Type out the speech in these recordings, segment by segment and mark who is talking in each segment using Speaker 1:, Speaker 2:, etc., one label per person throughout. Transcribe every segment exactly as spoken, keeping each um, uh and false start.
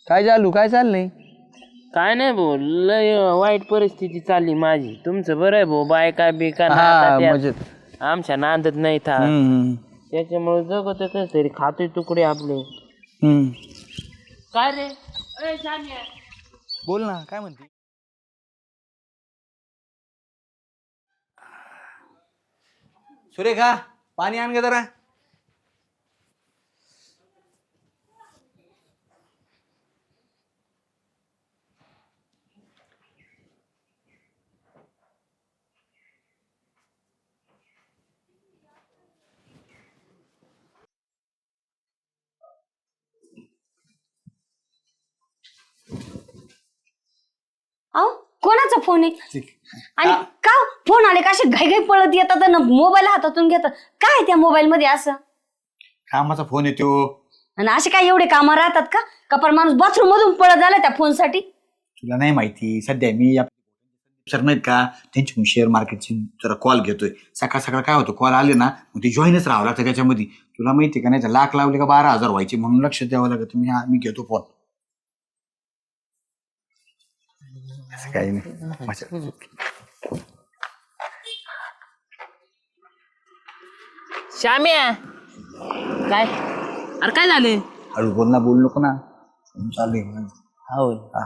Speaker 1: काय चालू काय चाललंय?
Speaker 2: काय नाही भाऊ, लय वाईट परिस्थिती चालली माझी. तुमचं बरं आहे भाऊ, बायका बिका
Speaker 1: हा
Speaker 2: नादात आहेत.
Speaker 1: मजेत.
Speaker 2: आमच्या नांदत नाही था
Speaker 1: हम्म
Speaker 2: त्याच्यामुळे जगत कस तरी खातोय तुकडे आपले.
Speaker 1: हम्म
Speaker 2: काय रे ए, जाण्या.
Speaker 1: बोल ना, काय म्हणते? सुरेखा, पाणी आण ग जरा.
Speaker 3: अहो कोणाचा फोन आहे? आणि का फोन आले का असे घाई घाई पळत येतात आणि मोबाईल हातातून घेतात? काय त्या मोबाईल मध्ये असं?
Speaker 1: कामाचा फोन येतो.
Speaker 3: आणि असे काय एवढे कामं राहतात का? कपार माणूस बाथरूम मधून पळत झाला त्या फोन साठी.
Speaker 1: तुला नाही माहिती, सध्या मी या सर नाहीत का त्यांची शेअर मार्केटची जरा कॉल घेतोय. सकाळ सकाळ काय होतं, कॉल आले ना मग ते जॉईनच राहावं लागतं त्याच्यामध्ये. तुला माहिती का नाही, तर लाख लावले का बारा हजार व्हायचे, म्हणून लक्ष द्यावं लागतं. मी मी घेतो फोन. असं काही नाही माझं.
Speaker 2: श्याम्या, काय अरे काय झाले?
Speaker 1: हळू बोल ना, बोल नको ना. चालू आहे.
Speaker 2: हो
Speaker 1: हा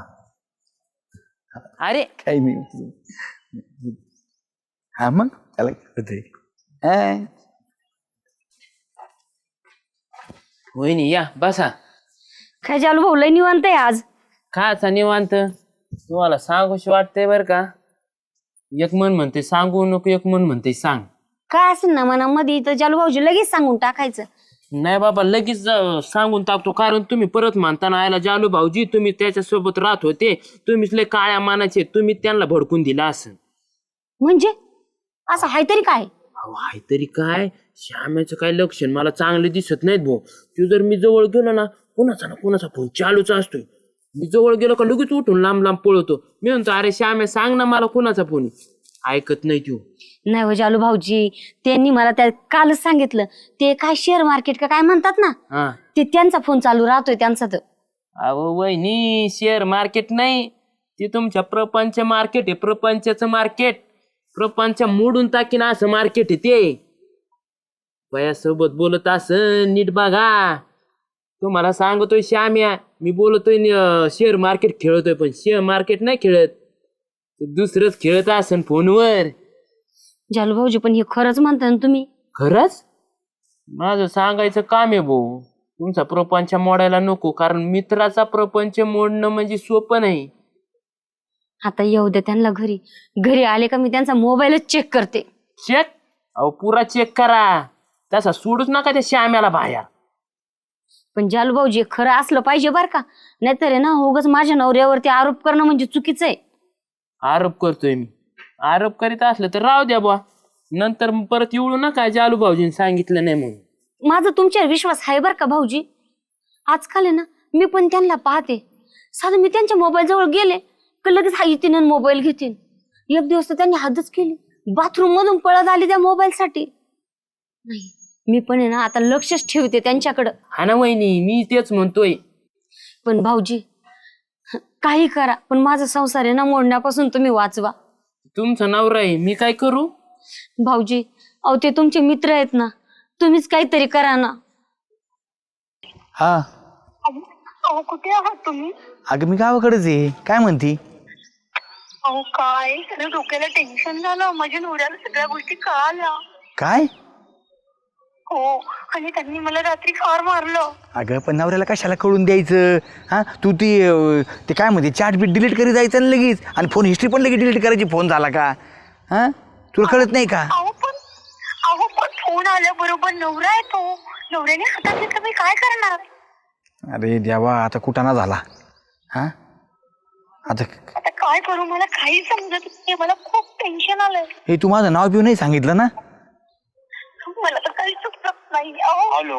Speaker 2: अरे
Speaker 1: काही नाही. हा मग त्याला कळतंय.
Speaker 2: वहिनी या बसा.
Speaker 3: काय चालू भाऊ, लय निवांत आहे आज.
Speaker 2: खायचा निवांत. तुम्हाला सांगूशी वाटतंय बरं का. एक मन म्हणते सांगू नको, एक मन म्हणते सांग.
Speaker 3: काय असेल ना मनामध्ये तर चालू भाऊजी लगेच सांगून टाकायचं.
Speaker 2: नाही बाबा, लगेच जा- सांगून टाकतो. कारण तुम्ही परत म्हणताना आयला जालू भाऊजी तुम्ही त्याच्यासोबत राहत होते, तुम्हीच लय काळ्या मानाचे, तुम्ही त्यांना भडकून दिला असं.
Speaker 3: म्हणजे असं हाय तरी काय?
Speaker 2: अहो हाय तरी काय, श्याम्याचं काय लक्षण मला चांगले दिसत नाहीत भाऊ. तू जर मी जवळ गेलो ना, कुणाचा ना कुणाचा फोन चालूच असतोय. मी जवळ गेलो का लगेच उठून लांब लांब पळतो. मी म्हणतो अरे श्याम्या सांग ना मला कुणाचा फोन. ऐकत नाही तू.
Speaker 3: नाही हो जालू भाऊजी, त्यांनी मला त्या कालच सांगितलं. ते काय शेअर मार्केट का काय म्हणतात ना,
Speaker 2: हा
Speaker 3: ते त्यांचा फोन चालू राहतोय त्यांचा. तर
Speaker 2: अहो वहिनी, शेअर मार्केट नाही, ते तुमच्या प्रपंच मार्केट आहे. प्रपंचाचं मार्केट, प्रपंच मोडून टाकीन असं मार्केट आहे ते. वयासोबत बोलत असं नीट बघा. तुम्हाला सांगतोय श्याम्या, मी बोलतोय शेअर मार्केट खेळतोय, पण शेअर मार्केट नाही खेळत, दुसरंच खेळत असन फोनवर.
Speaker 3: जालू भाऊजी पण हे खरंच म्हणता ना तुम्ही?
Speaker 2: खरंच माझं सांगायचं काम आहे भाऊ. तुमचा प्रपंच मोडायला नको, कारण मित्राचा प्रपंच मोडणं म्हणजे सोपं नाही.
Speaker 3: आता येऊ द्या त्यांना घरी. घरी आले का मी त्यांचा मोबाईलच चेक करते.
Speaker 2: चेक? अहो पुरा चेक करा, तसा सोडूच नका त्या श्याम्याला बाहेर.
Speaker 3: पण जालू भाऊजी खरं असलं पाहिजे बरं का, नाहीतर आहे ना उगाच माझ्या नवऱ्यावरती आरोप करणं म्हणजे चुकीचं आहे.
Speaker 2: आरोप करतोय मी? आरोप करीत असलं तर राहू द्या बुवा, नंतर परत येऊ नका जालू भाऊजीने सांगितलं नाही म्हणून.
Speaker 3: माझा तुमच्यावर विश्वास आहे बरं का भाऊजी. आजकाल आहे ना मी पण त्यांना पाहते. साधं मी त्यांच्या मोबाईल जवळ गेले का लगेच हा येतील मोबाईल घेतील. एक दिवस तर त्यांनी हद्दच केली, बाथरूम मधून पळत आली त्या मोबाईल साठी. नाही, मी पण आहे ना आता लक्षच ठेवते त्यांच्याकडं.
Speaker 2: हा ना वहिनी, मी तेच म्हणतोय.
Speaker 3: पण भाऊजी काही करा, पण माझा संसार आहे ना मोडण्यापासून तुम्ही वाचवा.
Speaker 2: तुमचा नवरा आहे, मी काय करू?
Speaker 3: भाऊजी अहो ते तुमचे मित्र आहेत ना, तुम्हीच काहीतरी करा ना.
Speaker 1: हा
Speaker 4: अहो कुठे आहात तुम्ही?
Speaker 1: अगं मी गावाकडेच आहे. काय म्हणती?
Speaker 4: अहो काय सगळं डोक्याला टेन्शन झालं. माझ्या नवऱ्याला सगळ्या गोष्टी कळाल्या.
Speaker 1: काय?
Speaker 4: हो, आणि त्यांनी मला रात्री फार मारलं.
Speaker 1: अगं पण नवऱ्याला कशाला कळून द्यायचं? हा तू ती अं, ते काय म्हणते चॅट बीट डिलीट करी जायचं ना लगेच, आणि फोन हिस्ट्री पण लगेच डिलीट करायची फोन झाला का? हा तुला कळत नाही का?
Speaker 4: अहो पण अहो पण फोन आल्याबरोबर नवरा येतो. नवऱ्याने हातात घेतलं, मी काय करणार?
Speaker 1: अरे देवा, आता कुटाणा झाला. हा आता
Speaker 4: आता काय करू, मला काही समजत नाही. मला खूप टेन्शन आलंय.
Speaker 1: हे तू माझं नाव बिव नाही सांगितलं ना?
Speaker 4: मला तर काही सुचत नाही. अहो हॅलो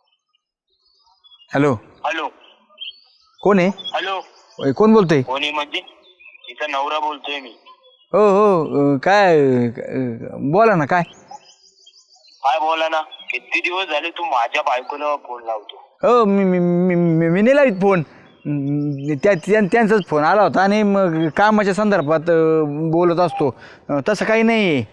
Speaker 1: हॅलो
Speaker 4: हॅलो
Speaker 1: कोण आहे?
Speaker 4: हॅलो
Speaker 1: ओय, कोण बोलतोय?
Speaker 4: कोणी म्हणजे? तिचा नवरा बोलतोय मी.
Speaker 1: हो हो अं, काय अं, बोला ना. काय
Speaker 4: काय बोला ना, किती दिवस झाले तू माझ्या बायकोला फोन लावतो.
Speaker 1: हो मी मी मी मी- मी नाही लावित फोन. अं, त्या त्या- त्यांचाच फोन आला होता आणि मग कामाच्या संदर्भात अं, बोलत असतो. अं, तसं काही नाही आहे.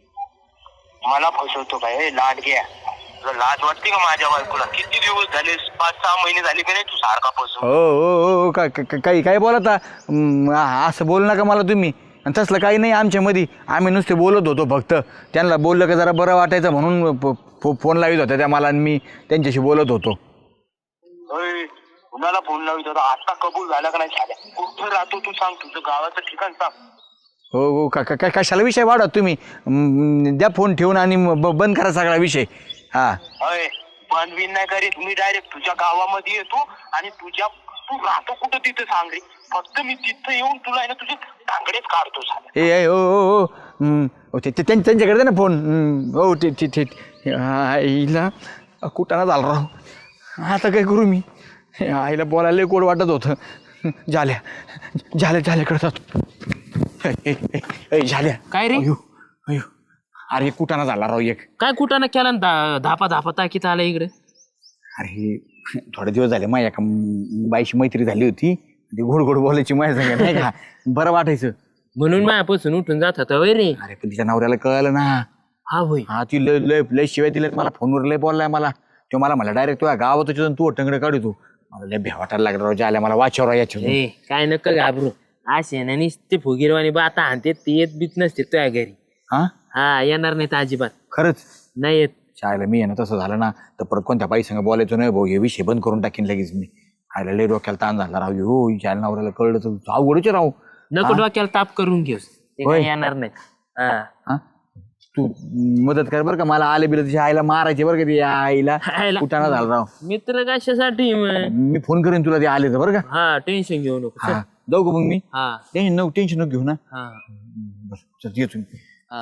Speaker 5: मला फसवतो काय लाड घ्या. तुला लाज वाटते का माझ्या बायकोला? किती दिवस झाले, पाच सहा महिने झाले की नाही तू सारखा फसव.
Speaker 1: हो हो हो हो का का- काही काही बोलता अं, आ- असं बोल नका मला तुम्ही. आणि तसलं काही नाही आमच्यामध्ये. आम्ही नुसते बोलत होतो फक्त. त्यांना बोललं का जरा बरं वाटायचं म्हणून फ- फ- फोन लावित होत्या त्या मला आणि मी त्यांच्याशी बोलत होतो.
Speaker 5: होय, कुणाला फोन लावित होता? आता कबूल झाला का नाही झाल्या? कुठं राहतो तू सांग, तुझं गावाचं ठिकाण सांग.
Speaker 1: हो हो का का- कशाला विषय वाढत तुम्ही? अं, द्या फोन ठेवून आणि म- ब- बंद करा सगळा विषय. हा
Speaker 5: होय, बंद बिन नाही करीत मी. डायरेक्ट तुझ्या गावामध्ये येतो आणि तुझ्या तू राहतो कुठं तिथं सांग रे. फक्त मी तिथं येऊन तुला आहे ना तुझे तांगडेच काढतो साले.
Speaker 1: ए ए, हो हो हो हं, हो, ते ते- त्यां- त्यांच्याकडे दे ना फोन. हं, हो ते ते ते आईला कुठाना झाला राव. आता काय करू मी? हे आईला बोलायला लय गोड वाटत होतं. झाल्या झाल्या झाल्याकडे जातो. ए, ए, ए, ए, झाल्या
Speaker 2: काय रे?
Speaker 1: अयो, अयो. अरे कुठाना झाला राव एक.
Speaker 2: काय कुठं केला न धा- धापा धापा ताकीत आला इकडे?
Speaker 1: अरे थोडे दिवस झाले माझ्या एका बाईशी मैत्री झाली होती. ती गोड गोड बोलायची माझ्या संग नाही का, बरं वाटायचं.
Speaker 2: म्हणून मायापासून उठून जात होता वय रे.
Speaker 1: अरे पण तिच्या नवऱ्याला कळलं ना.
Speaker 2: हा होय.
Speaker 1: हा ती लय लय लय शिवाय दिल्यात मला. फोनवर लय बोललाय मला. तो मला म्हणला डायरेक्ट तुझ्या गावात होती तू टंगडे काढतो. मला लय भ्या वाटायला लागला राव. आल्या मला वाचव राव याच्या.
Speaker 2: ए काय नका घाबरू. असे ना नुसते फुगीरवाणी बा आता आणते ते येत बीत नसते तुझ्या घरी.
Speaker 1: हा
Speaker 2: हा येणार नाही तर अजिबात
Speaker 1: खरंच
Speaker 2: नाही येत.
Speaker 1: शाळेला मी आहे ना तसं झालं ना तर परत कोणत्या बाई संग बोलायचो नाही भाऊ. हे विषय बंद करून टाकीन लगेच मी. आयला लय डोक्याला ताण झाला राव. हो शाळेला नवऱ्याला कळलं तर अवघडच राव.
Speaker 2: नको डोक्याला ताप करून घेऊस ते
Speaker 1: होय.
Speaker 2: काय येणार नाही. हा
Speaker 1: हा तू मदत कर बरं का मला. आले बिलं तिच्या आईला मारायचे बरं का ती आईला.
Speaker 2: आईला.
Speaker 1: कुठाना झाला राव.
Speaker 2: मित्र कशासाठी मग?
Speaker 1: मी फोन करेन तुला ते आले तर बरं का.
Speaker 2: हा टेन्शन घेऊ नको.
Speaker 1: हा जाऊ का मग मी.
Speaker 2: हा
Speaker 1: टेन्शन नको टेन्शन नको घेऊ ना.
Speaker 2: हा
Speaker 1: बरं चल येतो मी.
Speaker 2: हा.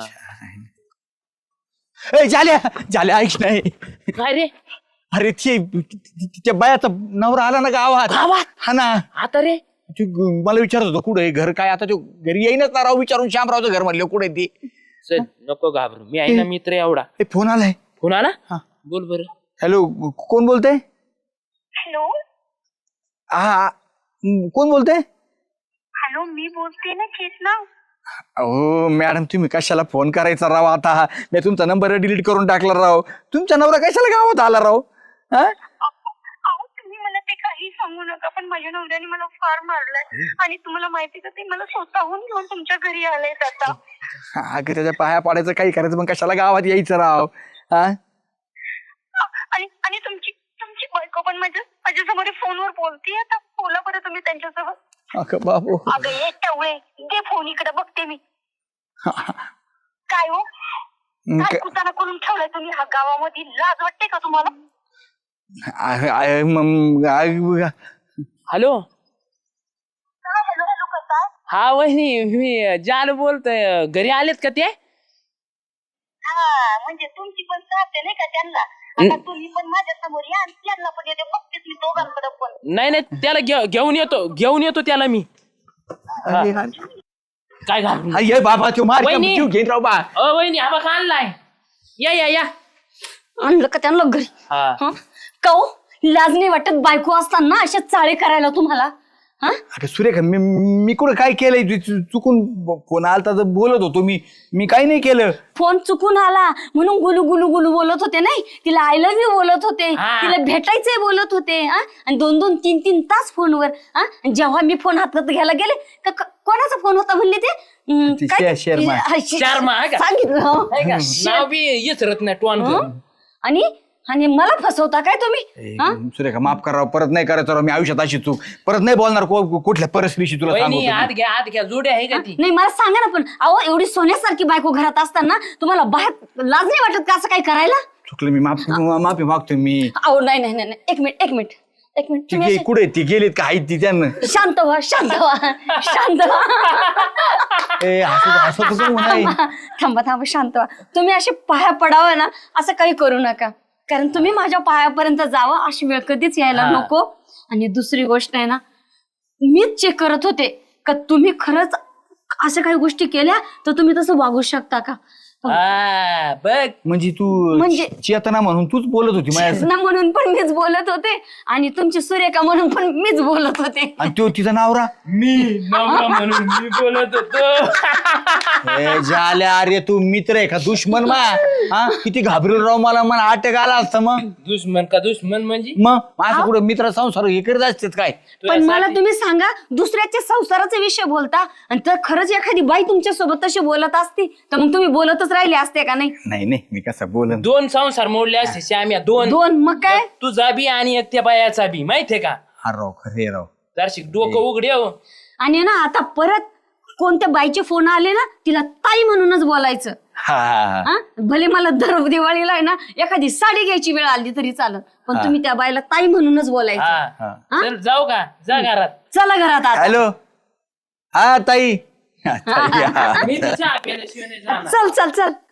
Speaker 1: ए झाल्या झाल्या ऐक नाही.
Speaker 2: काय रे
Speaker 1: अरे ते त्या बायाचा नवरा आला ना गावात.
Speaker 2: गावात?
Speaker 1: हा ना.
Speaker 2: आता रे
Speaker 1: ते ग- मला विचारत होतो कुठे घर काय. आता तो घरी येईनच ना राव. विचारून श्यामरावचं घर म्हणलं कुठे ते.
Speaker 2: चल नको घाबरू मी आहे ना मित्र एवढा.
Speaker 1: ए, फोन आलाय.
Speaker 2: फोन आला
Speaker 1: हा.
Speaker 2: बोल बर.
Speaker 1: हॅलो कोण बोलतंय?
Speaker 4: हॅलो
Speaker 1: हा हा. म, कोण बोलतंय?
Speaker 4: हॅलो मी बोलते ना चेतना.
Speaker 1: अहो मॅडम तुम्ही कशाला फोन करायचा राव आता. मी तुमचा नंबर डिलीट करून टाकला राव. तुमचा नवरा कशाला गावात आला राव? हा
Speaker 4: अहो तुम्ही मला ते काही सांगू नका पण माझ्या नवऱ्याने मला फार मारलंय आणि तुम्हाला माहिती का ते मला स्वतःहून घेऊन तुमच्या घरी आलेत आता.
Speaker 1: अगं त्याच्या पाया पाडायचं काही करायचं मग कशाला गावात यायचं राव. हा
Speaker 4: आणि आणि तुमची तुमची बायको पण माझ्या माझ्यासमोर फोनवर बोलतीये आता. बोला बरं तुम्ही त्यांच्यासोबत.
Speaker 1: अगं बाबू.
Speaker 4: अगं ये टवळे दे फोन इकडे बघते मी. काय हो काय
Speaker 1: क-
Speaker 4: कुटाणा करून ठेवलाय तुम्ही हा गावामध्ये. लाज वाटते का तुम्हाला?
Speaker 1: आ- आ- मग- आ-
Speaker 2: हॅलो
Speaker 4: हॅलो हॅलो कसं आहे?
Speaker 2: हा वहिनी मी जाल बोलतोय. घरी आलेत का ते?
Speaker 4: हा म्हणजे तुमची पण चाहते नाही का त्यांना. आता तुम्ही पण माझ्या समोर या आणि त्यांना पण येते बघतेच मी दोघांकडे पण.
Speaker 2: नाही नाही त्याला घे- घेऊन येतो घेऊन येतो त्याला मी.
Speaker 1: अरे यार.
Speaker 2: काय घाबरू
Speaker 1: हा, ये बाबा तू मार
Speaker 2: वहिनी.
Speaker 1: तू घेईन राव बा.
Speaker 2: अ वहिनी हा बघा आणलाय. या या या.
Speaker 3: आणलं का त्यांना घरी?
Speaker 2: हा
Speaker 3: हं? का हो लाज नाही वाटत बायको असताना अशा चाळे करायला तुम्हाला? हा
Speaker 1: अरे सुरेखा मी मी कुठं काय केलंय तू- तू- चुकून फोन आलता तर बोलत होतो मी. मी काही नाही केलं.
Speaker 3: फोन चुकून आला म्हणून गुलू गुलू गुलू बोलत होते नाही. तिला आय लव्ह यू बोलत होते.
Speaker 2: हा.
Speaker 3: तिला भेटायचंय बोलत होते. हा आणि दोन दोन तीन तीन तास फोनवर. हा आणि जेव्हा मी फोन हातात घ्यायला गेले तर क- कोणाचा फोन होता म्हणले ते? हं,
Speaker 1: ती
Speaker 3: काय?
Speaker 1: शे- शर्मा.
Speaker 3: हा, शे-
Speaker 2: शर्मा आहे का?
Speaker 3: सांगितलं हं.
Speaker 2: आहे का? नाव बी येचरत नाही टोन
Speaker 3: हं? आणि आणि मला फसवता काय तुम्ही?
Speaker 1: ए,
Speaker 3: हा
Speaker 1: सुरेखा माफ करा राव. परत नाही करायचं राव. मी आयुष्यात अशी चूक परत नाही बोलणार. को- कुठल्या परिस्थितीशी तुला
Speaker 2: वहिनी
Speaker 1: सांगतो
Speaker 2: आत
Speaker 1: मी.
Speaker 2: घ्या आत घ्या जोडी आहे का ती?
Speaker 3: नाही मला सांगा ना पण अहो एवढी सोन्यासारखी बायको घरात असताना तुम्हाला बाहेर लाज नाही वाटत का असं काही करायला?
Speaker 1: चुकलं मी माफ माफी मागतो मी.
Speaker 3: अहो नाही नाही नाही नाही. एक मिनिट एक मिनिट एक मिनिट
Speaker 1: ती
Speaker 3: तुम्ही
Speaker 1: गे-
Speaker 3: असे-
Speaker 1: कुठे ती गेलीत का आहेत ती त्यांना.
Speaker 3: शांत व्हा शांत व्हा शांत व्हा
Speaker 1: ए हसत हसत होतो नाही.
Speaker 3: थांबा थांबा शांत व्हा. तुम्ही असे पाया पडावं ना असं काही करू नका. कारण तुम्ही माझ्या पायापर्यंत जावं अशी वेळ कधीच यायला
Speaker 2: हा.
Speaker 3: नको. आणि दुसरी गोष्ट आहे ना मीच चेक करत होते का तुम्ही खरंच अशा काही गोष्टी केल्या तर तुम्ही तसं वागू शकता का.
Speaker 2: हा बघ
Speaker 1: म्हणजे तू
Speaker 3: म्हणजे-
Speaker 1: चेतना म्हणून तूच बोलत होती माझ्या
Speaker 3: ना म्हणून पण मीच बोलत होते आणि तुमची सुरेखा म्हणून पण मीच बोलत होते.
Speaker 1: आणि तो तिचा नावरा
Speaker 2: मी नवरा म्हणून मी बोलत होतो.
Speaker 1: ए, झाल्या अरे तू मित्र आहे का दुश्मन मा हा किती घाबरून राव मला मला अटक आला असतं मग
Speaker 2: दुश्मन का दुश्मन म्हणजे
Speaker 1: मग असं कुठं मित्र संसार हे करत असतात काय
Speaker 3: पण मला तुम्ही सांगा, दुसऱ्याच्या संसाराचा विषय बोलता आणि तर खरंच एखादी बाई तुमच्या सोबत तशी बोलत असती तर मग तुम्ही बोलतच राहिले असते का नाही?
Speaker 1: नाही नाही मी कसं बोलन
Speaker 2: दोन संसार मोडले असते श्याम्या, दोन
Speaker 3: दोन मग काय?
Speaker 2: तुझा बी आणि एक त्या बायाचा बी माहितीये का?
Speaker 1: हा राव खरे राव
Speaker 2: जरशी डोकं उघड्याव.
Speaker 3: आणि ना आता परत कोणत्या बाईचे फोन आले ना तिला ताई म्हणूनच बोलायचं.
Speaker 1: हा हा हा
Speaker 3: हा भले मला दर दिवाळीला आहे ना एखादी साडी घ्यायची वेळ आली तरी चालत, पण तुम्ही त्या बाईला ताई म्हणूनच बोलायचं.
Speaker 2: हा चल जाऊ का, जा घरात.
Speaker 3: चला घरात आता.
Speaker 1: हॅलो हा ताई हा, ताई, हा.
Speaker 2: मी तिच्या आपल्याला शिवणे जाणार.
Speaker 3: चल चल चल